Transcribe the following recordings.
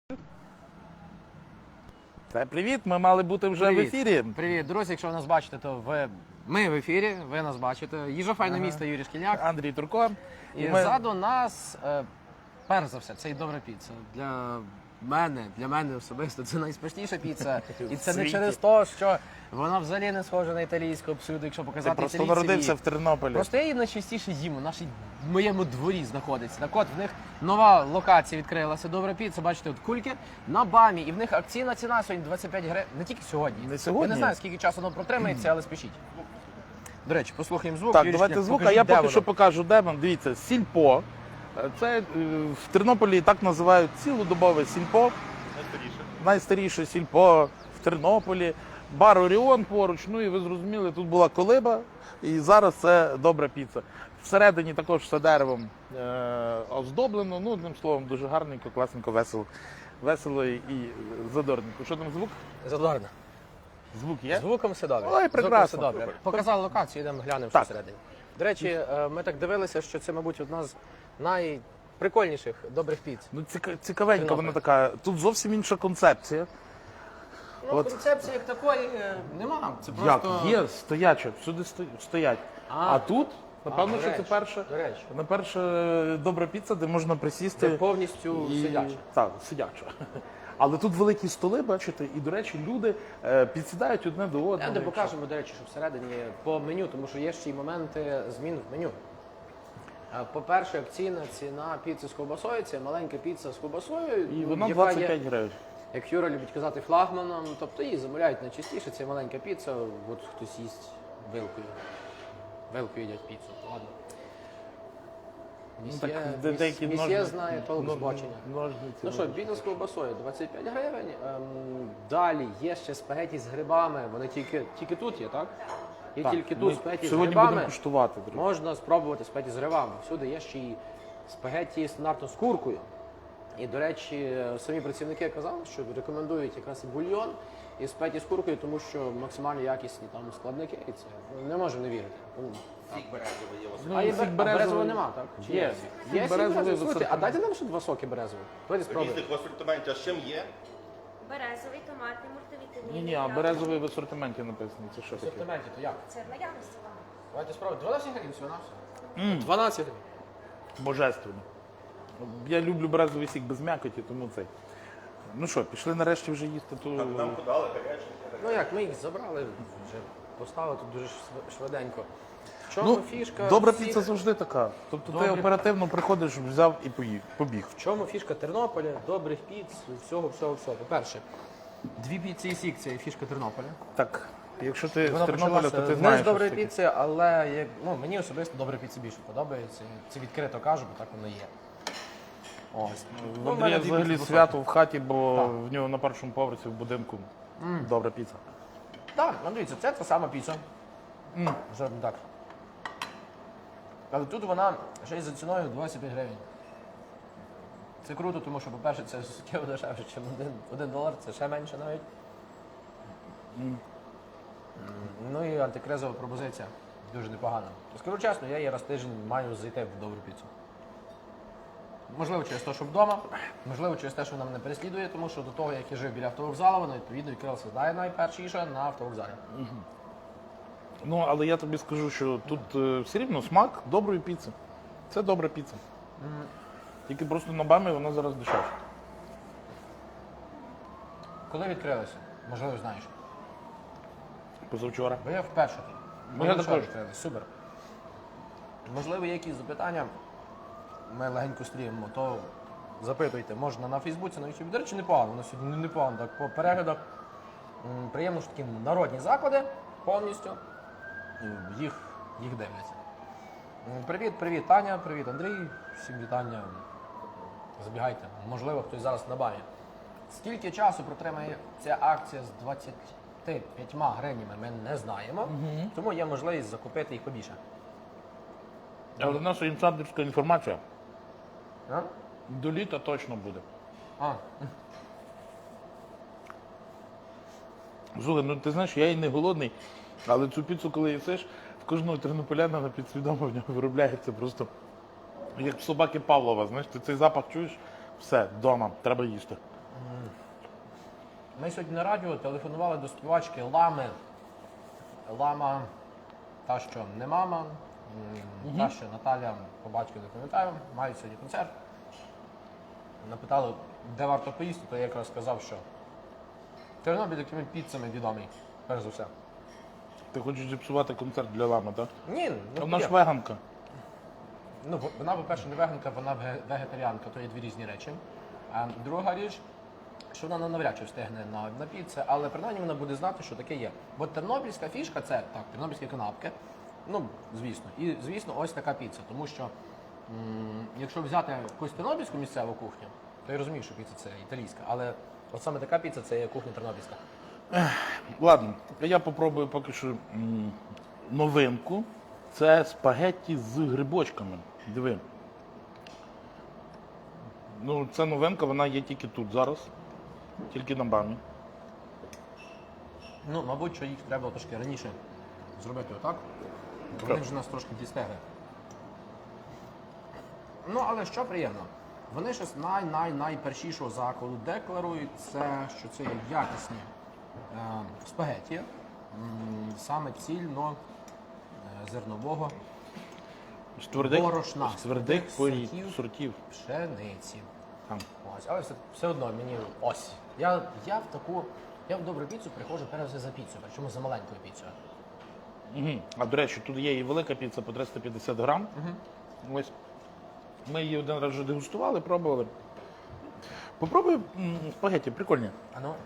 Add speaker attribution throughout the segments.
Speaker 1: Привіт, ми мали бути вже в ефірі.
Speaker 2: Привіт, друзі, якщо ви нас бачите, то ми в ефірі, ви нас бачите. Їжа файне місто, Юрій Шкільняк.
Speaker 1: Андрій Турко.
Speaker 2: І ззаду нас, перш за все, це і добра піца. Для мене особисто це найсмачніша піца. І це не через те, що вона взагалі не схожа на італійську абсолютно, якщо показати
Speaker 1: італійців.
Speaker 2: Ти
Speaker 1: просто народився в Тернополі.
Speaker 2: Просто я її найчастіше їм, в моєму дворі знаходиться. Так от, в них нова локація відкрилася, добра піца, бачите, от кульки на БАМі. І в них акційна ціна сьогодні 25 гривень, не тільки сьогодні.
Speaker 1: Не сьогодні?
Speaker 2: Я не знаю, скільки часу воно протримається, але спішіть. До речі, послухаємо звук.
Speaker 1: Так,
Speaker 2: Юрій
Speaker 1: давайте
Speaker 2: Шкільняк,
Speaker 1: звук, а
Speaker 2: покажіть,
Speaker 1: я
Speaker 2: де
Speaker 1: поки
Speaker 2: воно.
Speaker 1: що покажу, де вам. Дивіться, сільпо. Це в Тернополі так називають цілодобове сільпо. Найстаріше сільпо в Тернополі. Бар Оріон поруч, ну і ви зрозуміли, тут була колиба, і зараз це добра піца. Всередині також все деревом оздоблено, ну, одним словом, дуже гарненько, класненько, весело і задорненько. Що там звук?
Speaker 2: Задорно.
Speaker 1: Звук є?
Speaker 2: Звуком все добре.
Speaker 1: Ой, прекрасно.
Speaker 2: Звуком все добре. Показали локацію, йдемо глянемо, що
Speaker 1: Так.
Speaker 2: всередині. До речі, ми так дивилися, що це, мабуть, одна з найприкольніших добрих піц.
Speaker 1: Ну, цікавенька вона така. Тут зовсім інша концепція.
Speaker 2: Ну,
Speaker 1: От.
Speaker 2: концепції як такої нема. Це
Speaker 1: Як?
Speaker 2: просто...
Speaker 1: Є, стояче, всюди стоять. А тут, напевно,
Speaker 2: до
Speaker 1: що це
Speaker 2: речі,
Speaker 1: перша,
Speaker 2: до речі.
Speaker 1: добра піца, де можна присісти.
Speaker 2: Це повністю сидяче.
Speaker 1: Так, сидяче. Але тут великі столи, бачите, і, до речі, люди підсідають одне до одного.
Speaker 2: Де покажемо, до речі, що всередині по меню, тому що є ще й моменти змін в меню. По-перше, акційна ціна піци з ковбасою, це маленька піца з ковбасою.
Speaker 1: І вона
Speaker 2: яка
Speaker 1: 25
Speaker 2: є,
Speaker 1: гривень.
Speaker 2: як Юра любить казати, флагманом, тобто її замовляють найчастіше, це маленька піца, от хтось їсть вилкою. Вилкою їдять піцу, ладно. Місьє знає толк збочення. Ну що, біда з ковбасою 25 гривень. Далі є ще спагеті з грибами, вони тільки тут є, так? Є тільки тут спагеті з
Speaker 1: сьогодні будемо
Speaker 2: грибами.
Speaker 1: куштувати, друзі.
Speaker 2: Можна спробувати спагеті з грибами. Всюди є ще й спагеті стандартно з куркою. І, до речі, самі працівники казали, що рекомендують якраз і бульйон, і спагеті з куркою, тому що максимально якісні там складники, і це не можу не вірити.
Speaker 3: Сік березовий є у вас.
Speaker 1: Ну,
Speaker 2: А є
Speaker 1: сік
Speaker 2: березового нема, так? Чи
Speaker 1: Є.
Speaker 2: Є
Speaker 1: Сік
Speaker 2: сік
Speaker 1: березовий
Speaker 2: березовий.
Speaker 1: в
Speaker 2: Слухайте, а
Speaker 1: асортименті.
Speaker 2: дайте нам ще два соки березові. Давайте спробуємо.
Speaker 3: Різних в асортименті, а з чим є?
Speaker 4: Березовий, томатний, мультивітамінний.
Speaker 1: Ні, а березовий в асортименті написано. Це що
Speaker 2: В
Speaker 1: таке?
Speaker 2: асортименті, то як?
Speaker 4: Це в наявності вам.
Speaker 2: Давайте спробуємо. 12 гривень всього на все. 12 гривень.
Speaker 1: Божественно. Я люблю березовий сік без м'якоті, тому цей. Ну що, пішли нарешті вже їсти ту...
Speaker 3: Нам подали гарячий.
Speaker 2: Ну як, ми їх забрали, вже поставили тут дуже швиденько. В чому фішка?
Speaker 1: Добра
Speaker 2: всіх-
Speaker 1: піца завжди така. Тобто ти
Speaker 2: Добрі-
Speaker 1: оперативно приходиш, взяв і побіг.
Speaker 2: В чому фішка Тернополя, добрих піц, всього. По-перше, дві піці і сік – це фішка Тернополя.
Speaker 1: Так, якщо ти з
Speaker 2: Вона
Speaker 1: Тернополя, то
Speaker 2: почалася
Speaker 1: ти
Speaker 2: не
Speaker 1: знаєш.
Speaker 2: з доброї
Speaker 1: що таке.
Speaker 2: піци, але мені особисто добра піца більше подобається. Це відкрито кажу, бо так воно є. Ось.
Speaker 1: В
Speaker 2: Ну, в
Speaker 1: Андрія
Speaker 2: мене дві
Speaker 1: взагалі
Speaker 2: піци
Speaker 1: свято в хаті, бо
Speaker 2: Так.
Speaker 1: в нього на першому поверсі в будинку добра піца.
Speaker 2: Так, ну дивіться, це та сама піца. Жодно так. Але тут вона ще й за ціною 25 гривень. Це круто, тому що, по-перше, це суттєво дешевше, ніж $1, це ще менше навіть. Ну і антикризова пропозиція. Дуже непогана. Скажу чесно, я її раз в тиждень маю зайти в добру піцу. Можливо, через те, що вдома, можливо, через те, що вона мене переслідує, тому що до того, як я жив біля автовокзалу, вона відповідно відкрилася найпершіше на автовокзалі.
Speaker 1: Ну, але я тобі скажу, що тут все рівно смак доброї піци. Це добра піца. Тільки просто на БАМі вона зараз дешевша.
Speaker 2: Коли відкрилася? Можливо, знаєш.
Speaker 1: Позавчора.
Speaker 2: Бо я вперше.
Speaker 1: Ну, я також.
Speaker 2: Супер. Можливо, є якісь запитання. Ми легенько стрімимо, то запитуйте. Можна на Фейсбуці, на Ютубі. До речі, непогано. Воно сьогодні непогано. Так, по переглядах приємно, що такі народні заклади повністю. Їх дивляться. Привіт, Таня, привіт, Андрій. Всім вітання. Забігайте. Можливо, хтось зараз на БАМі. Скільки часу протримає ця акція з 25 гривнями, ми не знаємо. Тому є можливість закупити їх побільше.
Speaker 1: Але в нас інсайдерська інформація.
Speaker 2: А?
Speaker 1: До літа точно буде. Слухай, ну ти знаєш, я і не голодний, але цю піцу, коли їсиш, в кожного тернополяна на підсвідомо в нього виробляється просто як в собаки Павлова, знаєш, ти цей запах чуєш, все, вдома, треба їсти.
Speaker 2: Ми сьогодні на радіо телефонували до співачки Лами. Лама, та, що не мама, та, що Наталя, по батьку не пам'ятаю, мають сьогодні концерт. Напитали, де варто поїсти, то я якраз сказав, що Тернопіль такими піцами відомий, перш за все.
Speaker 1: Ти хочеш зіпсувати концерт для лами, так?
Speaker 2: Ні,
Speaker 1: А
Speaker 2: ну,
Speaker 1: вона ж
Speaker 2: є.
Speaker 1: веганка.
Speaker 2: Ну, вона, по-перше, не веганка, вона вегетаріанка, то є дві різні речі. А друга річ, що вона навряд чи встигне на піце, але принаймні вона буде знати, що таке є. Бо тернопільська фішка це так, тернопільські канапки. Ну, звісно. І звісно, ось така піца. Тому що якщо взяти якусь тернопільську місцеву кухню, то я розумію, що піца це італійська, але от саме така піца це є кухня тернопільська.
Speaker 1: Ладно, я попробую поки що новинку. Це спагетті з грибочками. Диви. Ну, це новинка, вона є тільки тут зараз. Тільки на БАМі.
Speaker 2: Ну, мабуть, що їх треба трошки раніше зробити отак. Бо вони вже нас трошки дістегли. Ну, але що приємно, вони ще з найпершішого закладу декларують це, що це є якісні спагеті, саме цільно зернового
Speaker 1: З твердих,
Speaker 2: борошна,
Speaker 1: з твердих сортів.
Speaker 2: пшениці.
Speaker 1: Там.
Speaker 2: Ось, але все одно мені ось. Я в добру піцу приходжу перш за піцею, причому за маленькою піцею.
Speaker 1: Угу. А до речі, тут є і велика піца по 350 грам. Ось. Ми її один раз вже дегустували, пробували. Попробуй спагетті, прикольні.
Speaker 2: А ну.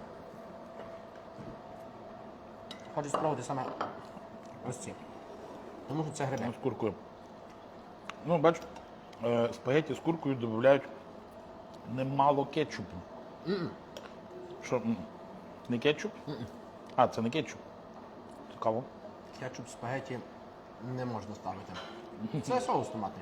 Speaker 2: Хочу спробувати саме ось ці. Тому що це гриби.
Speaker 1: З куркою. Ну, бач, спагетті з куркою додають немало кетчупу. Що? Не кетчуп? А, це не кетчуп. Цікаво.
Speaker 2: Кетчуп спагеті не можна ставити. Це соус томатний.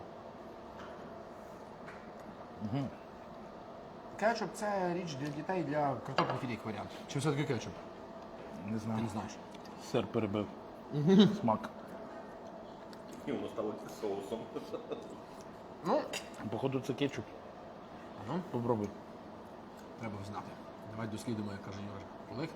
Speaker 2: Кетчуп це річ для дітей, для картоплі філі варіант. Чи все-таки кетчуп?
Speaker 1: Не
Speaker 2: Ти
Speaker 1: знаю.
Speaker 2: не знаєш.
Speaker 1: Сир перебив. Смак.
Speaker 3: І воно стало соусом.
Speaker 2: Ну,
Speaker 1: Походу, це кетчуп.
Speaker 2: ну,
Speaker 1: Попробуй.
Speaker 2: треба знати. Давай дослідимо, як каже Юра. Олег.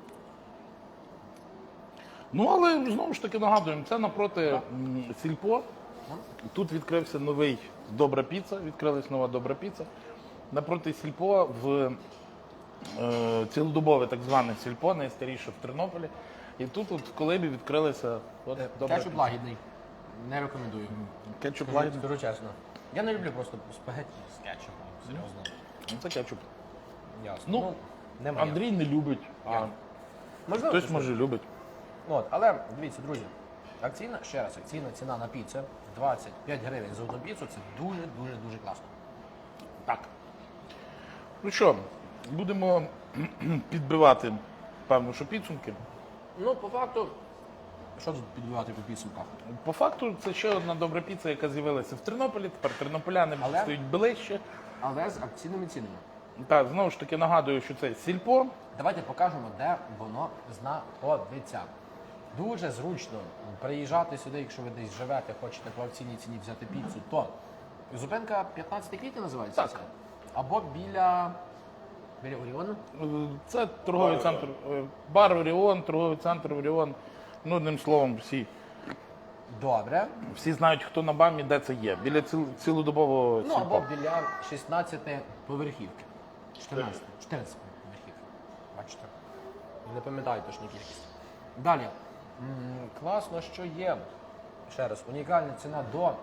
Speaker 1: Ну, але знову ж таки нагадуємо, це напроти Сільпо. Тут відкрився новий Добра піца, відкрилась нова Добра піца. Напроти Сільпо в цілодобове так зване Сільпо, найстаріше в Тернополі. І тут от в Колибі відкрилися от, Добра
Speaker 2: Кетчуп
Speaker 1: піца.
Speaker 2: лагідний. Не рекомендую.
Speaker 1: Кетчуп
Speaker 2: Скажу,
Speaker 1: лагідний.
Speaker 2: скажу чесно. Я не люблю просто спагетті з кетчупом. Серйозно.
Speaker 1: Ну, це кетчуп.
Speaker 2: Ясно.
Speaker 1: Ну,
Speaker 2: не моє.
Speaker 1: Андрій не любить, а
Speaker 2: Я. Можливо,
Speaker 1: хтось
Speaker 2: щось
Speaker 1: може любить.
Speaker 2: От, але дивіться, друзі, акційна ціна на піцу 25 гривень за одну піцу, це дуже класно.
Speaker 1: Так. Ну що, будемо підбивати, певно, що підсумки.
Speaker 2: Ну, по факту, що тут підбивати по підсумках?
Speaker 1: По факту, це ще одна добра піца, яка з'явилася в Тернополі. Тепер тернополяни
Speaker 2: Але-
Speaker 1: стають ближче.
Speaker 2: Але з акційними цінами.
Speaker 1: Так, знову ж таки нагадую, що це Сільпо.
Speaker 2: Давайте покажемо, де воно знаходиться. Дуже зручно приїжджати сюди, якщо ви десь живете, хочете по акційній ціні взяти піцу, то зупинка 15 квітня називається?
Speaker 1: Так.
Speaker 2: Це? Або біля Оріону?
Speaker 1: Це торговий центр, бар Оріон, торговий центр Оріон. Ну, одним словом,
Speaker 2: Добре.
Speaker 1: всі знають, хто на БАМі, де це є. Біля цілодобового
Speaker 2: Ну,
Speaker 1: Сільпо.
Speaker 2: або біля 16 поверхівки. 14 поверхівки. Бачите? Не пам'ятаю точну кількість. Далі. Класно, що є. Ще раз, унікальна ціна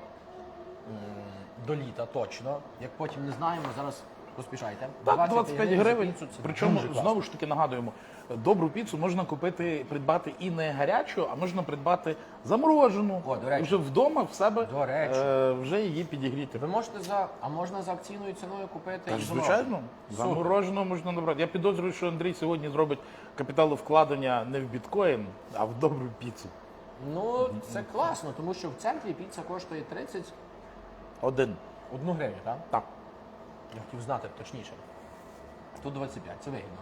Speaker 2: до літа точно. Як потім не знаємо, зараз поспішайте.
Speaker 1: Так, 25
Speaker 2: за
Speaker 1: гривень.
Speaker 2: піцу, це
Speaker 1: Причому,
Speaker 2: дуже класно.
Speaker 1: знову ж таки нагадуємо, добру піцу можна придбати і не гарячу, а можна придбати заморожену.
Speaker 2: О, до речі.
Speaker 1: Вже вдома в себе
Speaker 2: До речі.
Speaker 1: вже її підігріти.
Speaker 2: Ви можете можна за акційною ціною купити
Speaker 1: Так,
Speaker 2: і
Speaker 1: звичайно,
Speaker 2: Супер.
Speaker 1: заморожену можна набрати. Я підозрюю, що Андрій сьогодні зробить капіталовкладення не в біткоін, а в добру піцу.
Speaker 2: Ну, це класно, тому що в центрі піца коштує 31
Speaker 1: Один.
Speaker 2: гривню, так?
Speaker 1: Так.
Speaker 2: Я хотів знати точніше. Тут 25, це вигідно.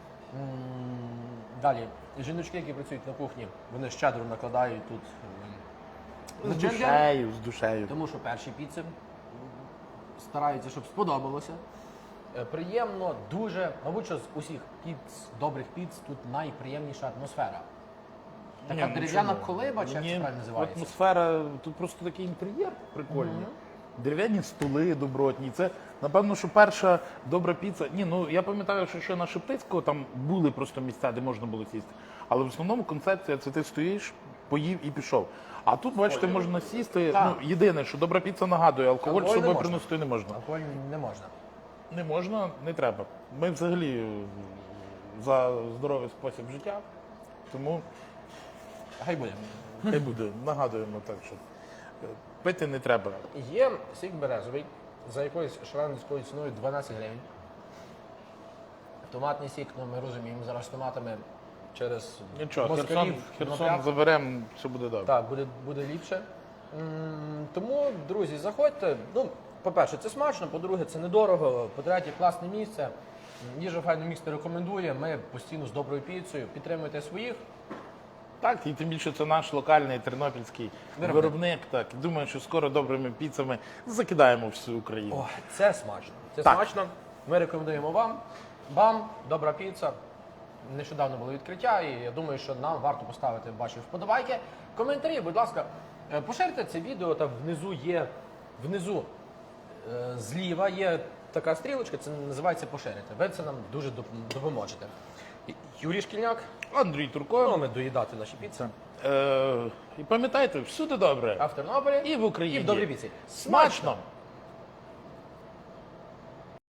Speaker 2: Далі, жіночки, які працюють на кухні, вони щедро накладають тут
Speaker 1: З
Speaker 2: джем-джем,
Speaker 1: душею, з душею.
Speaker 2: тому що перші піци стараються, щоб сподобалося. приємно, дуже, мабуть, що з усіх піц, добрих піц, тут найприємніша атмосфера. Така
Speaker 1: Ні, ну
Speaker 2: дерев'яна
Speaker 1: чому?
Speaker 2: колиба, чи як
Speaker 1: Ні,
Speaker 2: це правильно називається?
Speaker 1: Атмосфера, тут просто такий інтер'єр прикольний. Дерев'яні столи добротні. Це, напевно, що перша добра піца. Ні, ну я пам'ятаю, що ще на Шептицького там були просто місця, де можна було сісти. Але в основному концепція це ти стоїш, поїв і пішов. А тут, бачите, можна сісти.
Speaker 2: Так.
Speaker 1: Ну, єдине, що добра піца нагадує, алкоголь з
Speaker 2: Алкоголь не
Speaker 1: собою
Speaker 2: можна.
Speaker 1: приносити не можна.
Speaker 2: Алкоголь не можна.
Speaker 1: Не можна, не треба. Ми взагалі за здоровий спосіб життя, тому
Speaker 2: Хай буде.
Speaker 1: хай буде, нагадуємо так, що пити не треба.
Speaker 2: Є сік березовий за якоюсь шаленською ціною 12 гривень. Томатний сік, ну ми розуміємо, зараз з томатами через
Speaker 1: Нічого,
Speaker 2: москалів,
Speaker 1: Херсон
Speaker 2: напряг.
Speaker 1: заберемо, все буде добре.
Speaker 2: Так, буде ліпше. Тому, друзі, заходьте. Ну, по-перше, це смачно, по-друге, це недорого, по-третє, класне місце. Їжа файно місце рекомендує. Ми постійно з доброю піцею. Підтримуйте своїх.
Speaker 1: Так, і тим більше це наш локальний тернопільський виробник. Так, і думаю, що скоро добрими піцами закидаємо всю Україну.
Speaker 2: О, це смачно. Це
Speaker 1: Так.
Speaker 2: смачно. Ми рекомендуємо вам. Бам, добра піца. Нещодавно було відкриття, і я думаю, що нам варто поставити ваші вподобайки. Коментарі, будь ласка, поширте це відео, там внизу зліва є така стрілочка, це називається поширити. Ви це нам дуже допоможете. Юрій Шкільняк,
Speaker 1: Андрій Турко.
Speaker 2: ну, ми доїдати наші піци.
Speaker 1: І пам'ятайте, всюди добре.
Speaker 2: А в Тернополі
Speaker 1: І в Україні.
Speaker 2: І в добрій піці.
Speaker 1: Смачно!